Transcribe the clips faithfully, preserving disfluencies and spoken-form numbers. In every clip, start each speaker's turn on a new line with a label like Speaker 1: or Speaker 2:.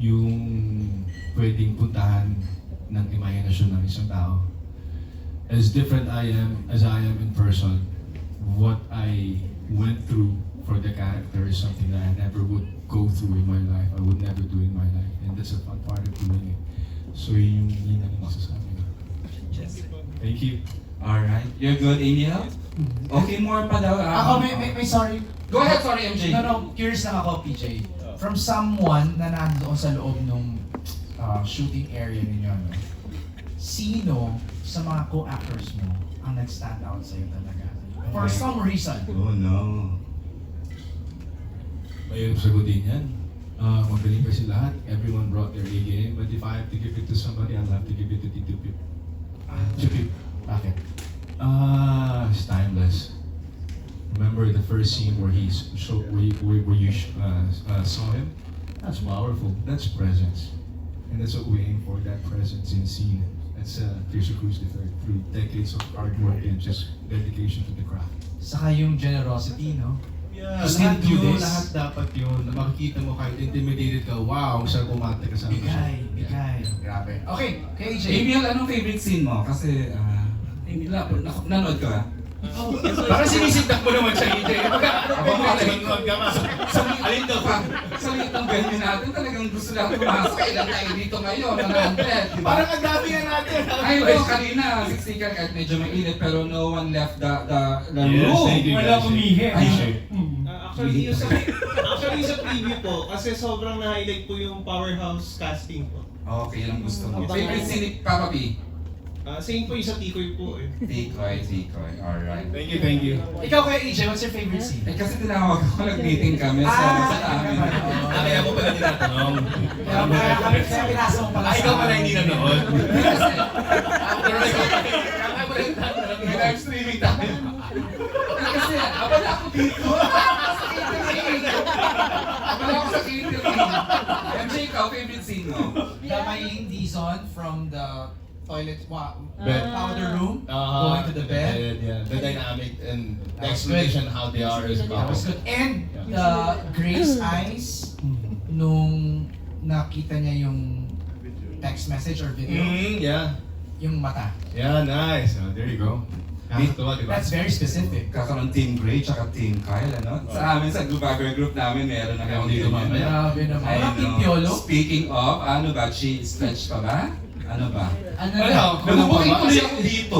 Speaker 1: yung pwedeng puntahan ng imahinasyon ng isang tao. As different I am, as I am in person, what I went through for the character is something that I never would go through in my life. I would never do in my life. And that's a fun part of doing it. So yun yung yun ang masasabi ko. Thank you.
Speaker 2: Alright. You're good, Emil? Okay, more pa daw. ah.
Speaker 3: Ako, may, may, may sorry.
Speaker 2: Go ahead, sorry, M J.
Speaker 3: No, no, curious lang ako, P J. From someone na nandoon sa loob ng uh, shooting area ninyo, no? Sino sa mga co-actors mo ang nag-stand out sa'yo talaga? For some reason.
Speaker 1: Oh no. Mahirap sagutin yan. Uh, magaling kasi lahat. Everyone brought their A game. But if I have to give it to somebody, I'll have to give it to Tito Pip. Ah, Tito Pip. Bakit? Ah, it's timeless. Remember the first scene where he showed, where you, where, where you uh, uh, saw him? That's powerful. That's presence. And that's what we aim for, that presence in scene. That's uh, Teresa Cruz the third, through decades of hard work and just dedication to the craft.
Speaker 3: Saka yung generosity, no?
Speaker 1: Yeah,
Speaker 3: Just
Speaker 1: lahat
Speaker 3: do
Speaker 1: yun,
Speaker 3: this.
Speaker 1: lahat dapat yun. Na makikita mo kahit intimidated ka, wow, saan kumate ka sa akin.
Speaker 3: Bigay, bigay. Grabe. Okay, kay A J.
Speaker 2: Emil, anong favorite scene mo? Kasi, ah, Emil, na- na- nanood ka ba?
Speaker 1: Parang sinisindak mo naman siya, A J.
Speaker 2: Ako mga
Speaker 1: Nanonood ka ba?
Speaker 2: Sa alin daw pa? Sa liit ng venue natin, talagang gusto lang pumasok. Ilan tayo dito ngayon? one hundred, di ba?
Speaker 1: Parang ang dami nga natin.
Speaker 2: Ay, no, kanina, siksikan kahit medyo mainit, pero no one left the, the, the
Speaker 1: Yes,
Speaker 2: room.
Speaker 1: thank you,
Speaker 4: Wala
Speaker 1: guys.
Speaker 4: umihi.
Speaker 2: Ay,
Speaker 5: Ah, actually, yung sa, actually, sa preview po, kasi sobrang na-highlight po yung powerhouse casting po.
Speaker 2: Okay, yun ang gusto mo. Favorite scene, Papa B?
Speaker 5: Ah, same po yung sa Tikoy po eh.
Speaker 2: Tikoy, Tikoy, alright.
Speaker 1: Thank you, thank you.
Speaker 3: Ikaw kay A J, what's your favorite scene?
Speaker 2: Eh kasi tinawag ako, nag-meeting kami sa,
Speaker 3: Ah,
Speaker 2: sa amin.
Speaker 1: Ah, kaya mo pala tinatanong.
Speaker 3: Kaya kaya kami kaya pinasa mo pala
Speaker 1: Ah, ikaw
Speaker 3: sa-
Speaker 1: pala hindi nanood.
Speaker 2: Kasi,
Speaker 1: Pero ikaw, kaya mo lang tinatanong.
Speaker 2: may live streaming tayo. Eh, kasi, abala ako dito. Sa catering. Abala ako sa catering. M J, ikaw, favorite scene mo?
Speaker 3: Damayin Dizon from the toilet, wa,
Speaker 1: Bed.
Speaker 3: powder room,
Speaker 1: Uh,
Speaker 3: going to the bed.
Speaker 1: Yeah, the dynamic and the
Speaker 3: That was
Speaker 1: explanation how they are is
Speaker 3: That was
Speaker 1: powerful.
Speaker 3: good. And the Grace eyes, nung nakita niya yung text message or video,
Speaker 1: Mm, yeah.
Speaker 3: yung mata.
Speaker 1: Yeah, nice. Oh, there you go. Nakakatuwa, di ba?
Speaker 3: That's very specific.
Speaker 2: Kakaroon Team Gray tsaka Team Kyle, ano? Sa amin, sa Gubagger Group namin, meron na
Speaker 1: Kaya
Speaker 2: kami
Speaker 1: dito
Speaker 2: ganyan.
Speaker 1: mamaya.
Speaker 3: Grabe naman.
Speaker 2: Ay,
Speaker 3: Walang
Speaker 2: no.
Speaker 3: pipiolo.
Speaker 2: Speaking of, ano ba, chi stretch pa ba? Ano ba?
Speaker 3: Ano
Speaker 1: Wala,
Speaker 3: na?
Speaker 1: ako
Speaker 2: Nabubuking
Speaker 1: naman.
Speaker 2: tuloy ako dito.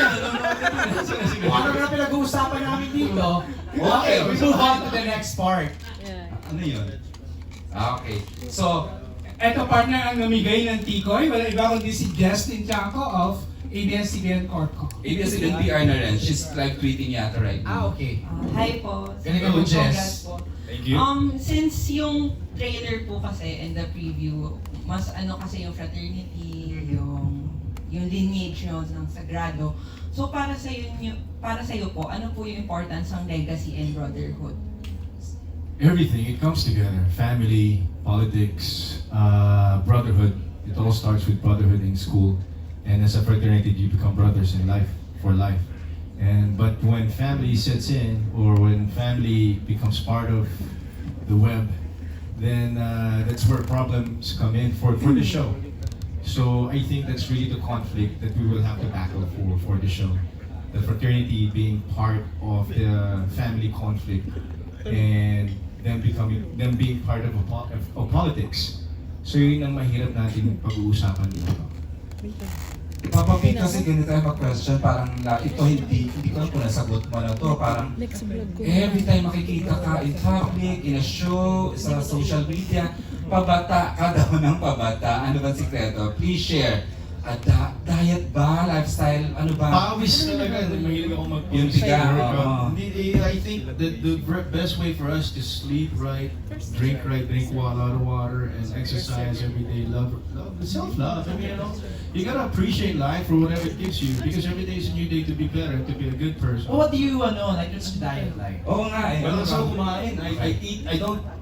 Speaker 3: Ano na pinag-uusapan namin dito?
Speaker 2: Okay,
Speaker 3: we move on to the next part.
Speaker 2: Ano yun? Ah, okay. So,
Speaker 4: Eto partner ang namigay ng Tikoy, wala iba kundi si Justin Chanco of A B S C B N Corpco.
Speaker 2: A B S C B N P R na rin. She's live tweeting yata right
Speaker 3: Ah,
Speaker 2: now.
Speaker 3: okay.
Speaker 6: Uh, hi po.
Speaker 3: Galing ka mo, Jess.
Speaker 6: Congrats po.
Speaker 1: Thank you.
Speaker 6: Um, since yung trailer po kasi and the preview, mas ano kasi yung fraternity, yung yung lineage nyo ng Sagrado. So para sa iyo para sa iyo po, ano po yung importance ng legacy and brotherhood?
Speaker 1: Everything, it comes together. Family, politics, uh, brotherhood. It all starts with brotherhood in school. And as a fraternity, you become brothers in life, for life. And but when family sets in, or when family becomes part of the web, then uh, that's where problems come in for, for the show. So I think that's really the conflict that we will have to tackle for, for the show. The fraternity being part of the family conflict and them becoming them being part of, a, po- of, of politics. So yun ang mahirap natin pag-uusapan dito.
Speaker 2: Papa P, kasi ganito tayo mag-question, parang na, ito hindi, hindi ko alam kung nasagot mo na to, parang every time makikita ka in public, in a show, sa social media, pabata ka daw ng pabata. Ano ba ang sikreto? Please share. A da- diet ba? Lifestyle? Ano ba?
Speaker 1: Pawis talaga, mahilig ako mag
Speaker 2: Yung tiga, oo.
Speaker 1: Hindi, I think that the br- best way for us to sleep right, drink right, drink wa- a lot of water, and exercise every day, love, love self-love. I mean, you know, you gotta appreciate life for whatever it gives you, because every day is a new day to be better, to be a good person.
Speaker 3: Well, what do you, ano, like, what's your diet like?
Speaker 2: Oo nga eh.
Speaker 1: Well, so kumain. I, I eat, I don't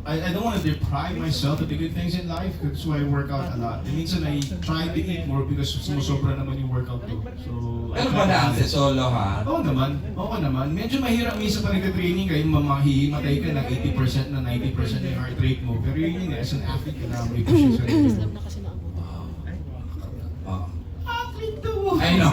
Speaker 1: I, I don't want to deprive myself of the good things in life. That's why I work out a lot. And minsan I try to eat more because sumusobra naman yung workout ko. So, I
Speaker 2: Pero
Speaker 1: try to
Speaker 2: balance,
Speaker 1: balance.
Speaker 2: solo ha?
Speaker 1: Oo naman, oo naman. Medyo mahirap minsan pag nagka-training kayo, mamahihimatay ka ng eighty percent na ninety percent yung heart rate mo. Pero yun yun, as an athlete, kailangan mo i-push yung sarili mo.
Speaker 2: Oh.
Speaker 1: Athlete to!
Speaker 2: I know.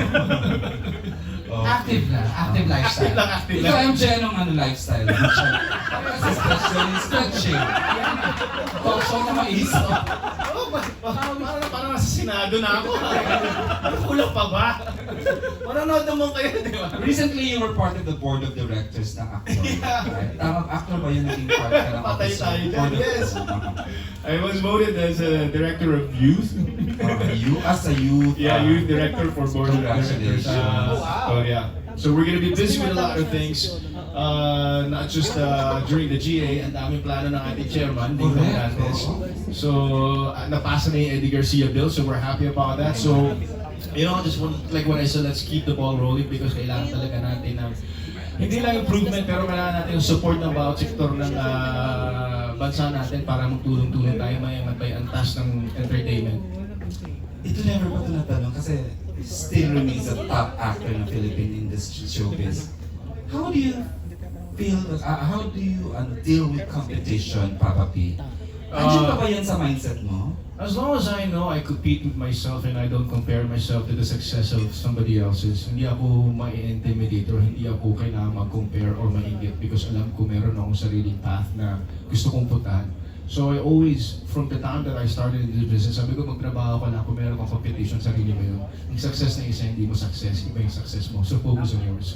Speaker 2: Oh.
Speaker 3: Active na, active
Speaker 1: Active
Speaker 3: lifestyle.
Speaker 1: lang, active
Speaker 2: Ikaw
Speaker 1: lang.
Speaker 2: ang Jen ng ano lifestyle. Kasi special is stretching. Talk show na maisip.
Speaker 1: Oo, ba- ba- parang parang nasa Senado na ako. Ano kulang pa ba? Manonood naman kayo, di ba?
Speaker 2: Recently, you were part of the board of directors ng actor.
Speaker 1: Yeah.
Speaker 2: Right? Tama, actor ba yun naging part ka ng
Speaker 1: Patay
Speaker 2: officer?
Speaker 1: tayo dyan,
Speaker 2: Board of-
Speaker 1: yes. I was voted as a director of youth.
Speaker 2: Uh, you as a youth.
Speaker 1: Yeah,
Speaker 2: uh,
Speaker 1: youth director for board of directors. Uh,
Speaker 2: Oh, wow.
Speaker 1: So yeah. So we're gonna be busy with a lot of things. Uh, not just uh, during the G A, ang daming plano ng ating chairman, Nico
Speaker 2: Correct.
Speaker 1: Hernandez. So, uh, napasa na yung Eddie Garcia bill, so we're happy about that. So, you know, just want, like what I said, let's keep the ball rolling because kailangan talaga natin ng hindi lang improvement, pero kailangan natin yung support ng bawat sektor ng uh, bansa natin para magtulong-tulong tayo may may antas ng entertainment.
Speaker 2: Ito never pa ito natanong kasi still remains a top actor ng Philippine industry showbiz. How do you feel, uh, how do you uh, deal with competition, Papa P? Andiyan pa ba yan sa mindset mo?
Speaker 1: As long as I know I compete with myself and I don't compare myself to the success of somebody else's, hindi ako ma-intimidate or hindi ako kailangan mag-compare or mainggit because alam ko meron akong sariling path na gusto kong puntahan. So I always, from the time that I started in this business, sabi ko magtrabaho ka na kung meron kang competition, sarili mo yun. Ang success na isa, hindi mo success, iba yung success mo. So focus on yours.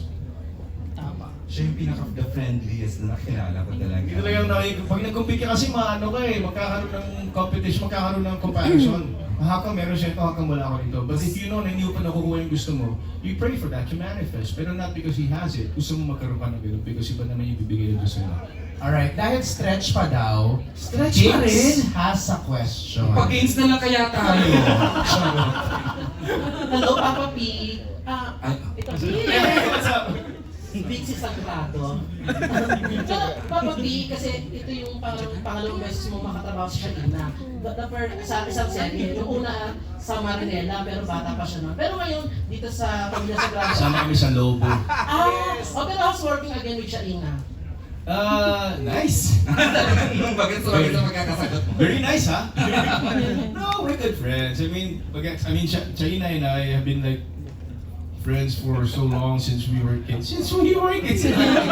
Speaker 2: Siya yung pinaka-the friendliest na nakilala ko talaga.
Speaker 1: Hindi talaga yung nakik- pag nag-compete ka kasi maano ka eh, magkakaroon ng competition, magkakaroon ng comparison. Haka meron siya ito, haka wala ako nito. But if you know na hindi mo pa nakukuha yung gusto mo, you pray for that, you manifest. Pero not because he has it. Gusto mo magkaroon ka ng ganun because iba naman yung bibigay nito sa'yo.
Speaker 3: Alright, dahil stretch pa daw,
Speaker 2: Stretch pa
Speaker 3: James
Speaker 2: rin?
Speaker 3: has a question.
Speaker 2: Pag-games na lang kaya tayo. Charot.
Speaker 7: Hello, Papa P. Ah,
Speaker 2: Ay,
Speaker 7: ito
Speaker 1: Hey, what's up?
Speaker 7: Vinci Sagrado. Pero, Papa P, kasi ito yung parang pangalawang beses mo makatrabaho sa Shalina. The, the first, sa isang serye, yung una sa Marinela, pero bata pa siya noon. Pero ngayon, dito sa Pamilya Sagrado.
Speaker 1: Sama kami sa Lobo.
Speaker 7: Ah, oh, pero I was working again with Shalina.
Speaker 1: Uh, nice.
Speaker 2: Yung bagay sa bagay sa magkakasagot mo.
Speaker 1: Very nice, huh? No, we're good friends. I mean, pag- I mean, Ch- China and I have been like friends for so long since we were kids. Since we were kids.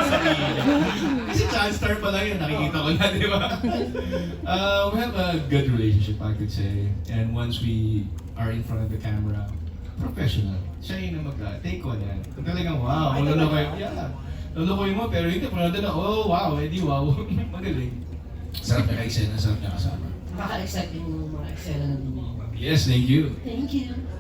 Speaker 1: Kasi Chance Star pa lang yun, nakikita ko na, di ba? Uh, we have a good relationship, I could say. And once we are in front of the camera, professional. Siya yung mag-take one yan. Kung talagang wow, malulukoy. Yeah. Lulukoy mo, pero hindi. Kung nandun na, oh wow, edi wow. Magaling. Sarap niya ka-eksena, sarap niya kasama.
Speaker 7: Nakaka-excite yung mga eksena na ninyo.
Speaker 1: Yes, thank you.
Speaker 7: Thank you.